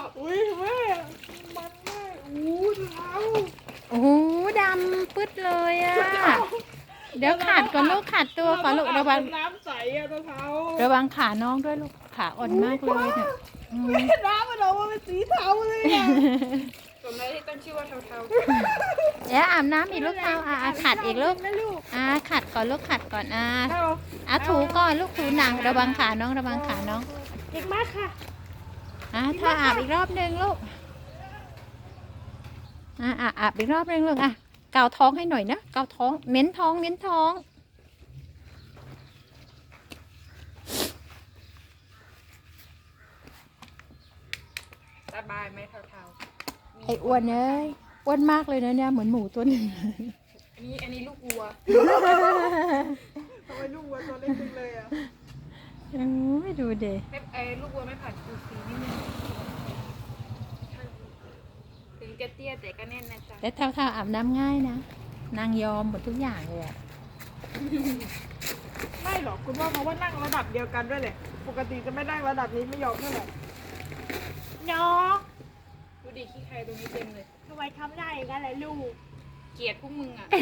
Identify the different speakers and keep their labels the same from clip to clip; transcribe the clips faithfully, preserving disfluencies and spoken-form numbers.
Speaker 1: อุ้ยแม่มันแม่อู้เท้า
Speaker 2: โอ้โหดำปึ๊ดเลยอ่ะเดี๋ยวขาดก่อนลูกขาดตัวก่อนลูกระวัง
Speaker 1: น้ำใสอะเท้า
Speaker 2: ระวังขาน้องด้วยลูกขาอ่อนมากเลยเนี่ยอืม
Speaker 1: แม่น้ำมันออกมาเป็นสีเทาเลยอะสมแล้วที่ตั้งชื่อว่าเทาเทา
Speaker 2: เดี๋ยวอาบน้ำอีกลูกเท้าอ่ะอ่ะขัดอีกลูก
Speaker 1: นะลูก
Speaker 2: อ่ะขัดก่อนลูกขัดก่อนอ่ะ
Speaker 1: เทา
Speaker 2: อ่ะถูก่อนลูกถูหนังระวังขาน้องระวังขาน้อง
Speaker 1: เก่งมากค่ะ
Speaker 2: อ่ะถ้าอาบอีกรอบหนึ่งลูกอ่ะอ่ะอาบอีกรอบหนึ่งลูกอ่ะเกาท้องให้หน่อยนะเกาท้องเม้นท้องเม้นท้อง
Speaker 1: สบายไหมเทาเทา
Speaker 2: ไอ้อ้วนเอ้ยอ้วนมากเลยนะเนี่ยเหมือนหมูตัวหนึ่ง
Speaker 1: อันนี้อันนี้ลูกวัวทำไมลูกวัวตัวเล็กจังเลยอะ
Speaker 2: อืมไม่ดูเด็
Speaker 1: ไม่ไอ้ลูกวัวไม่ผ่านคูซีนิดนึงถึงจะเตี้ยแต่ก็แน่นนะจ๊ะ
Speaker 2: แต่เท่าๆอาบน้ำง่ายนะนางยอมหมดทุกอย่างเลยอะ
Speaker 1: ไม่หรอกคุณพ่อเพราะว่านั่งระดับเดียวกันด้วยแหละปกติจะไม่นั่งระดับนี้ไม่ยอมเท่าไหร่
Speaker 3: น้อง
Speaker 1: ดูดิขี้ใครตรงนี้เต็มเลย
Speaker 3: ทำไมทำได้อย่างนั้นล่ะลูก
Speaker 1: เกลียดพวกมึงอ่ะ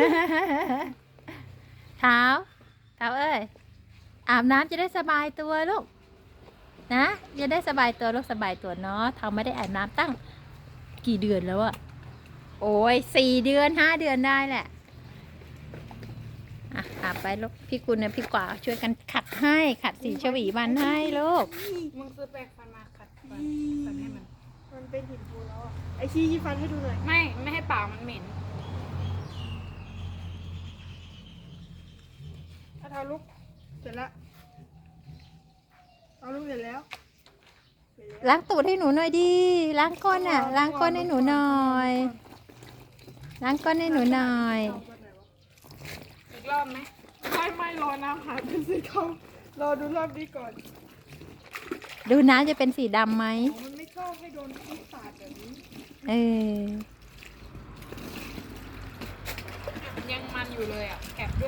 Speaker 2: เท้าเท้าเอ้ยอาบน้ำจะได้สบายตัวลูกนะจะได้สบายตัวลูกสบายตัวเนาะเท้าไม่ได้อาบน้ำตั้งกี่เดือนแล้วอะโอ้ยสี่เดือนห้าเดือนได้แหละอ่ะอาบไปลูกพี่กุลเนี่ยพี่กว่าช่วยกันขัดให้ขัดสีชวีวันให้ลูก
Speaker 1: มึงซื้อแปรงฟันมาขัดฟันฟันให้มัน
Speaker 3: มันเป็นหินปูนแล้วอ่ะ ไอชี้ยี่ฟันให้ดูหน่อย
Speaker 1: ไม่ ไม่ให้ปากมันเหม็น ถ้าเท้าลุก เสร็จแล้วเอาลุกเสร็จแล้ว
Speaker 2: ล้างตูดให้หนูหน่อยดิล้างก้นอ่ะล้างก้นให้หนูหน่อยล้างก้นให้หนูหน่อย
Speaker 1: อีกรอบไหมไม่ไม่รอน้ำหายเป็นสีทองรอดูรอบนี้ก่อน
Speaker 2: ดูน้ำจะเป็นสีดำไหม
Speaker 1: มันไม่ชอบให้โดนที่สาดแบบนี้
Speaker 2: เออ
Speaker 1: ยังมันอยู่เลยอ่ะแอบด้วย